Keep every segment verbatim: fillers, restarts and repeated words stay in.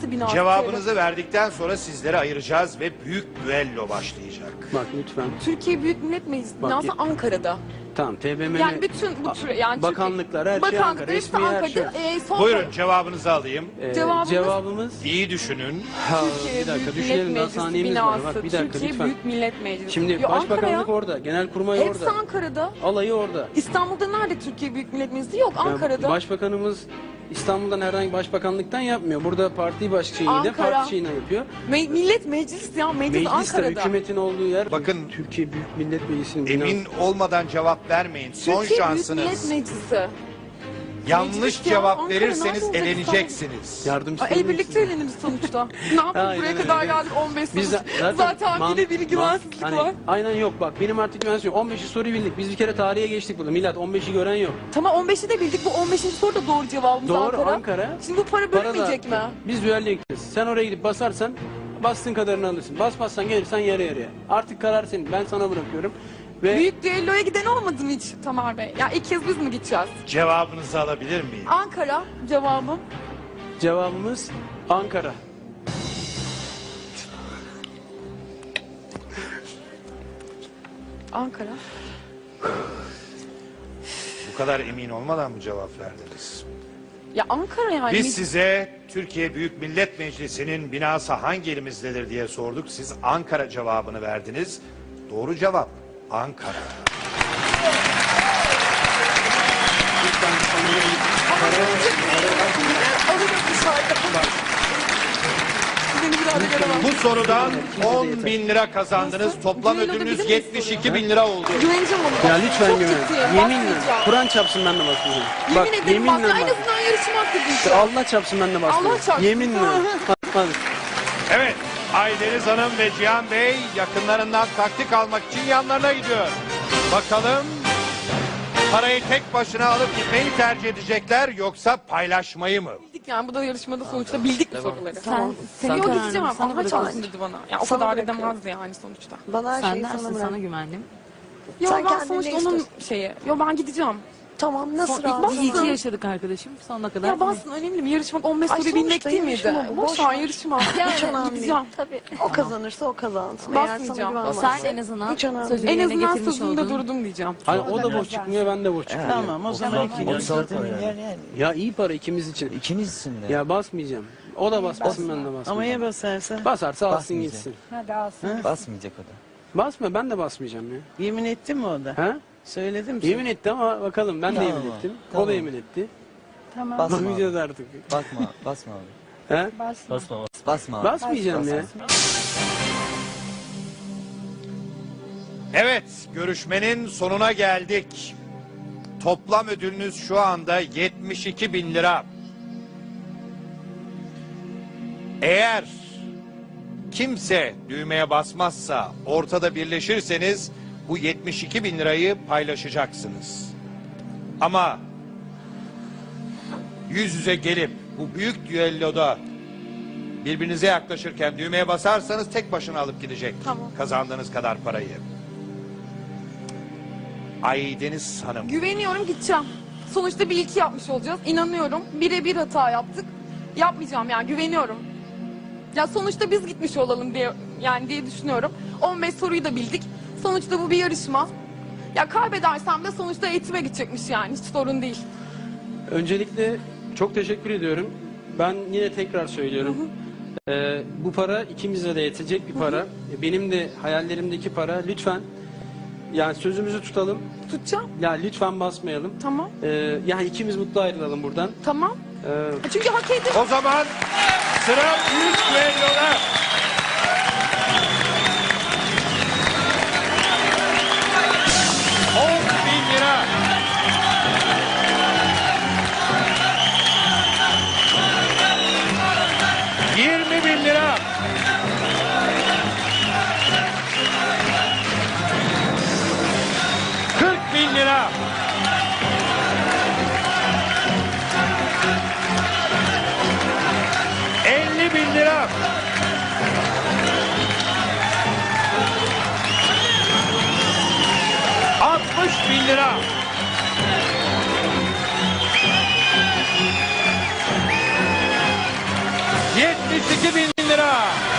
Nasıl binası? Cevabınızı verdikten sonra sizleri ayıracağız ve büyük düello başlayacak. Bak lütfen. Türkiye Büyük Millet Meclisi Bak, binası ye- Ankara'da. Tamam T B M M. Yani bütün bu tür yani bakanlıklar her şey Bakanlıklar Ankara. hepsi Resmi her şey. Ankara'da. Ee, son Buyurun cevabınızı alayım. Ee, Cevabımız- cevabımız İyi düşünün. Ha, Türkiye bir dakika Büyük düşünelim Millet daha Meclisi saniyemiz var. binası. Bak bir dakika Türkiye lütfen. Büyük Millet Meclisi. Şimdi Yo, başbakanlık Ankara ya. orada, genelkurmay Hepsi orada. Ankara'da. Alayı orada. İstanbul'da nerede Türkiye Büyük Millet Meclisi? Yok Yani Ankara'da. başbakanımız İstanbul'dan herhangi başbakanlıktan yapmıyor. Burada parti baş şeyiyle Ankara. parti şeyine yapıyor. Me- millet Meclisi ya meclis, Mecliste Ankara'da. hükümetin olduğu yer. Bakın, Türkiye Büyük Millet Meclisi'nin binası. Emin olmadan cevap vermeyin. Son Türkiye Büyük Millet şansınız. Meclisi. Yanlış Meclis ya, cevap Ankara verirseniz nerede olacak eleneceksiniz. Yardımcı Aa, el birlikte eğleniriz sonuçta. Ne yapayım Aynen buraya öyle. kadar geldik on beş soru. Biz de- Zaten, zaten man- bir de bir man- güvensizlik hani, var. Aynen yok bak benim artık güvensizlik yok. on beşi soruyu bildik. Biz bir kere tarihe geçtik burada. Millet on beşi gören yok. Tamam on beşi de bildik. Bu on beşinci soru da doğru cevabımız Doğru, Ankara. Ankara. Şimdi bu para Para da- bölünmeyecek mi? Biz düelloya gideceğiz. Sen oraya gidip basarsan bastığın kadarını alırsın. Basmazsan gelirsen yarı yarıya. Artık karar senin. Ben sana bırakıyorum. Ve Büyük düelloya giden olmadı mı hiç Tamer Bey? Ya ilk kez biz mi gideceğiz? Cevabınızı alabilir miyim? Ankara cevabım. cevabımız Ankara. Ankara. Bu kadar emin olmadan mı cevap verdiniz? Ya Ankara yani. Biz size Türkiye Büyük Millet Meclisi'nin binası hangi elimizdedir diye sorduk. Siz Ankara cevabını verdiniz. Doğru cevap Ankara. Alırım dışarıda. Seni bir daha da göremem. Bu sorudan on bin lira kazandınız. Nasıl? Toplam Düelloda ödülünüz bilir miyiz yetmiş iki soruyu? bin lira oldu. Güveneceğim ona. Ya lütfen Çok güven. ciddiyim. Yeminle. Basmayacağım. Kur'an çapsın ben de basmayacağım. Yemin Bak ederim yeminle bak. En bak. azından yarışım hakkı diyeceğim. Allah çapsın ben de basmayacağım. Allah çarpsın. Yeminle. Basmaz. Evet, Aydeniz Hanım ve Cihan Bey yakınlarından taktik almak için yanlarına gidiyor. Bakalım parayı tek başına alıp gitmeyi tercih edecekler yoksa paylaşmayı mı? Bildik yani bu da yarışmada sonuçta bildik bu soruları. Tamam. Seni Sen o kararını gideceğim. sana Allah bırakıyorum. çarpsın dedi bana. Ya o Sana kadar bırakıyorum. edemezdi yani sonuçta. Bana her Sen şeyi dersin sana sana bırak. güvendim. Yo Sen ben kendin sonuçta ne onun istiyorsun? şeyi. Yo ben gideceğim. Tamam nasıl Son- razı? Bastın. İyi ki yaşadık arkadaşım. Sonuna kadar. Ya bassın önemli mi? Yarışmak on beş Ay, soruyu bilmek sonuçta değil miydi? yarışma bu, Boş boş ver ver. yarışma. Hiç Yani önemli değil. gideceğim. Tabii. O kazanırsa o kazansın. Eğer sana Basmayacağım. güvenmezse. Sen en azından Hiç önemli sözünü En yerine azından getirmiş sözümde oldun. durdum diyeceğim. Hani o da boş çıkmıyor ben de boş çıkmıyor. Tamam o zaman iki otuz altı milyar yani. Ya iyi para ikimiz için. İkinizsin de. Ya basmayacağım. O da basmasın ben de basmayacağım. Ama ya basarsa? Basarsa alsın Basmayacak. gitsin. Basmayacak o da. Basma ben de basmayacağım ya. Yemin etti mi o da? Ha? Söyledim mi? Yemin etti ama bakalım ben de Tamam. yemin ettim. O Tamam. da yemin etti. Basma. Basmayacağız artık. Bakma, basma abi. Ha? Basma abi. Basmayacağım ya. Evet, görüşmenin sonuna geldik. Toplam ödülünüz şu anda yetmiş iki bin lira. Eğer kimse düğmeye basmazsa, ortada birleşirseniz bu yetmiş iki bin lirayı paylaşacaksınız. Ama yüz yüze gelip bu büyük düelloda birbirinize yaklaşırken düğmeye basarsanız tek başına alıp gidecek Tamam. kazandığınız kadar parayı. Aydeniz Hanım. Güveniyorum gideceğim. Sonuçta bir iki yapmış olacağız. İnanıyorum. Bire bir hata yaptık. Yapmayacağım yani güveniyorum. Ya sonuçta biz gitmiş olalım diye yani diye düşünüyorum. on beş soruyu da bildik. Sonuçta bu bir yarışma. Ya kaybedersem de sonuçta eğitime gidecekmiş yani hiç sorun değil. Öncelikle çok teşekkür ediyorum. Ben yine tekrar söylüyorum. Ee, bu para ikimize de yetecek bir para. Benim de hayallerimdeki para. Lütfen yani sözümüzü tutalım. Tutacağım. Ya lütfen basmayalım. Tamam. Ee, yani ikimiz mutlu ayrılalım buradan. Tamam. Ee, Çünkü hak ediyor. O zaman sıra büyük düelloda. on bin lira. yirmi bin lira. kırk bin lira. elli bin lira. altmış bin lira. yetmiş iki bin lira.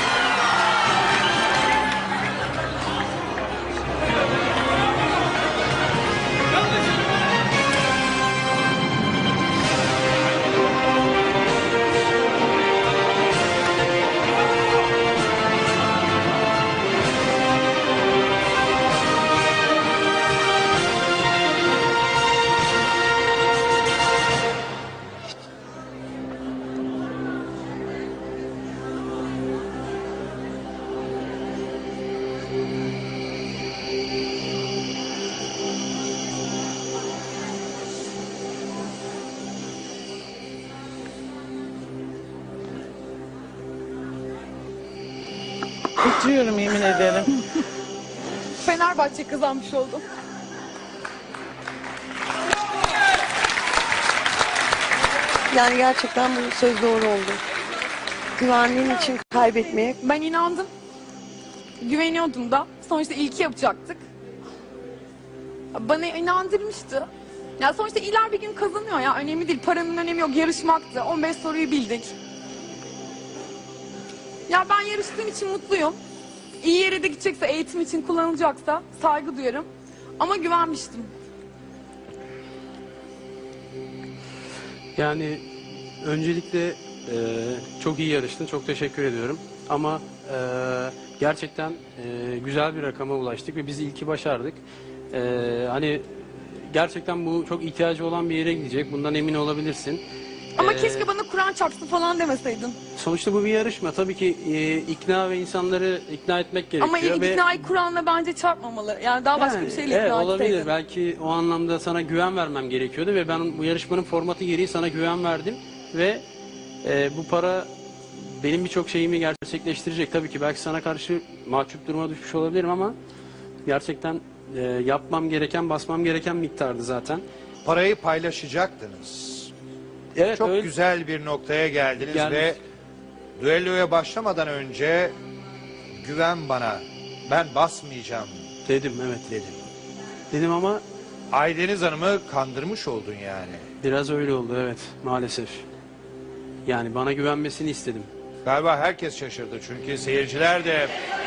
Titriyorum yemin ederim. Fenerbahçe kazanmış oldu. Yani gerçekten bu söz doğru oldu. Güvenliğin için kaybetmeye Ben inandım. Güveniyordum da. Sonuçta ilki yapacaktık. Bana inandırmıştı. Ya sonuçta iler bir gün kazanıyor ya. Önemli değil. Paranın önemi yok. Yarışmaktı. on beş soruyu bildik. Ya ben yarıştığım için mutluyum. İyi yere de gidecekse, eğitim için kullanılacaksa saygı duyarım. Ama güvenmiştim. Yani öncelikle e, çok iyi yarıştın. Çok teşekkür ediyorum. Ama e, gerçekten e, güzel bir rakama ulaştık ve biz ilki başardık. E, hani gerçekten bu çok ihtiyacı olan bir yere gidecek. Bundan emin olabilirsin. Ama E, keşke bana Kur'an çarpsın falan demeseydin. Sonuçta bu bir yarışma. Tabii ki e, ikna ve insanları ikna etmek gerekiyor. Ama ve iknayı Kur'an'la bence çarpmamalı. Yani daha başka Yani, bir şeyle evet, ikna olabilir. etseydin. Belki o anlamda sana güven vermem gerekiyordu ve ben bu yarışmanın formatı gereği sana güven verdim ve e, bu para benim birçok şeyimi gerçekleştirecek. Tabii ki belki sana karşı mahcup duruma düşmüş olabilirim ama gerçekten e, yapmam gereken, basmam gereken miktardı zaten. Parayı paylaşacaktınız. Evet, Çok öyle güzel bir noktaya geldiniz Geldik. ve düelloya başlamadan önce güven bana, ben basmayacağım dedim, evet dedim. dedim ama Aydeniz Hanım'ı kandırmış oldun yani. biraz öyle oldu, evet, maalesef. Yani bana güvenmesini istedim. Galiba herkes şaşırdı çünkü seyirciler de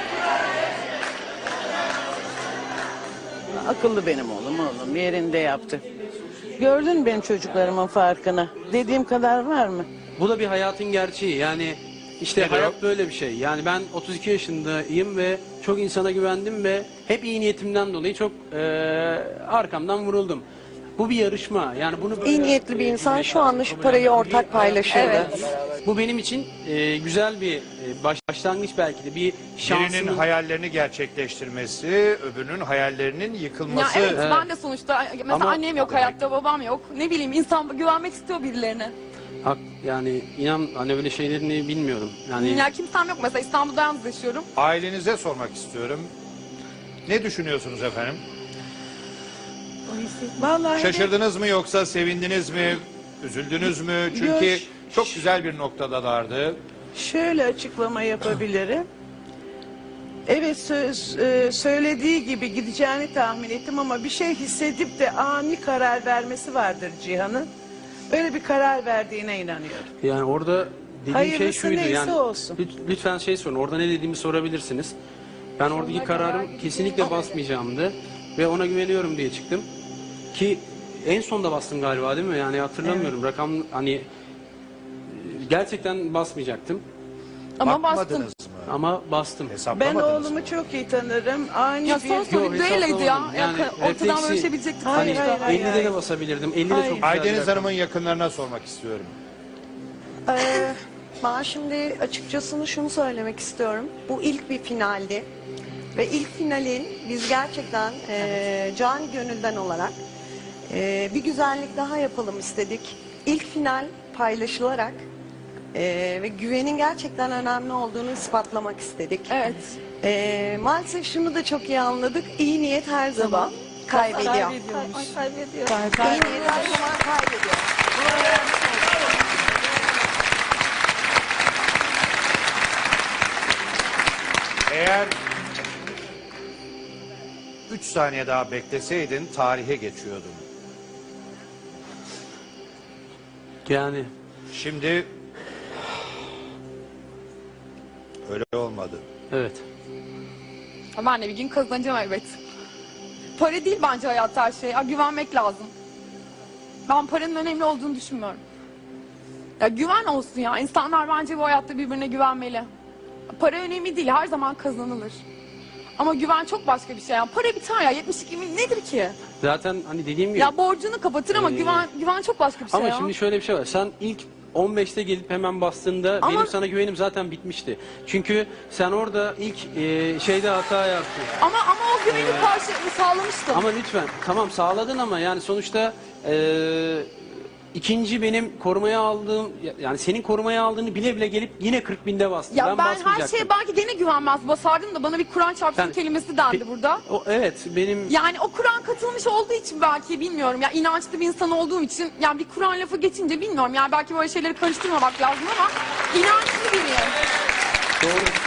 Akıllı benim oğlum oğlum yerinde yaptı. Gördün mü benim çocuklarımın farkını? Dediğim kadar var mı? Bu da bir hayatın gerçeği. Yani işte Nedir hayat o? böyle bir şey. Yani ben otuz iki yaşındayım ve çok insana güvendim ve hep iyi niyetimden dolayı çok eee, arkamdan vuruldum. Bu bir yarışma. Yani bunu böyle, iyi niyetli bir insan eee, şu anda şu kabul parayı etmem. ortak Bir- paylaşırdı. Evet. Bu benim için eee, güzel bir eee, baş- başlangıç belki de bir birinin şansımın. hayallerini gerçekleştirmesi, öbürünün hayallerinin Ya yıkılması. evet, Evet. ben de sonuçta mesela Ama- annem yok hayatta, babam yok. Ne bileyim, insan güvenmek istiyor birilerine. Hak, yani inan hani öyle şeylerini bilmiyorum. Yani Ya kimsem yok mesela, İstanbul'da yalnız yaşıyorum. Ailenize sormak istiyorum. Ne düşünüyorsunuz efendim? Vallahi Şaşırdınız mı yoksa sevindiniz mi? Üzüldünüz mü? Çünkü Yok. çok güzel bir noktadalardı. şöyle açıklama yapabilirim. Evet söz e, söylediği gibi gideceğini tahmin ettim ama bir şey hissedip de ani karar vermesi vardır Cihan'ın. Öyle bir karar verdiğine inanıyorum. Yani orada dediğim şey Hayırlısı şuydu neyse yani olsun. lüt- lütfen şey sorun, orada ne dediğimi sorabilirsiniz. Ben oradaki kararım kesinlikle basmayacağımdı ve ona güveniyorum diye çıktım. Ki en sonda bastım galiba, değil mi? Yani hatırlamıyorum rakam, hani e, gerçekten basmayacaktım Ama bastım. Bakmadınız mı? ama bastım. Ben Hesaplamadınız mı? oğlumu çok iyi tanırım. Ani Ya bir... son soru Yok, düelleydi ya. hesaplamadım. ya Yani ortadan refleksi- bölüşebilecektik Hayır, sonuçta. hayır, hayır. ellide de basabilirdim. elli de Hayır. çok güzel bir Aydeniz rakam. Hanım'ın yakınlarına sormak istiyorum. Ee, ben şimdi açıkçası şunu söylemek istiyorum. Bu ilk bir finaldi. Ve ilk finalin biz gerçekten e, can gönülden olarak e, bir güzellik daha yapalım istedik. İlk final paylaşılarak e, ve güvenin gerçekten önemli olduğunu ispatlamak istedik. Evet. E, maalesef şunu da çok iyi anladık. İyi niyet her zaman kaybediyor. Kaybediyormuş. İyi niyet her zaman kaybediyor. Eğer üç saniye daha bekleseydin tarihe geçiyordun. Yani Şimdi Öyle olmadı. Evet. Ben de bir gün kazanacağım elbet. Para değil bence hayatta her şey. Ya, güvenmek lazım. Ben paranın önemli olduğunu düşünmüyorum. Ya güven olsun ya. İnsanlar bence bu hayatta birbirine güvenmeli. Para önemli değil. Her zaman kazanılır. Ama güven çok başka bir şey. Yani para biter ya. yetmiş iki bin nedir ki? Zaten hani dediğim gibi. Ya borcunu kapatır ama Ee, güven güven çok başka bir şey Ama ya. şimdi şöyle bir şey var. Sen ilk on beşte gelip hemen bastığında Ama- benim sana güvenim zaten bitmişti. Çünkü sen orada ilk e, şeyde hata yaptın. Ama ama o güveni karşılığını sağlamıştım. Ama lütfen tamam sağladın ama yani sonuçta e, ikinci benim korumaya aldığım yani senin korumaya aldığını bile bile gelip yine kırk binde bastın. Ya ben, ben, her basmayacaktım. şeye belki gene güvenmez basardım da bana bir Kur'an çarpsın Sen- kelimesi dendi Pe- burada. O, evet benim Yani o Kur'an katılmış olduğu için belki bilmiyorum. Ya inançlı bir insan olduğum için yani bir Kur'an lafı geçince bilmiyorum. Yani belki böyle şeyleri karıştırmamak lazım ama inançlı biriyim. doğru.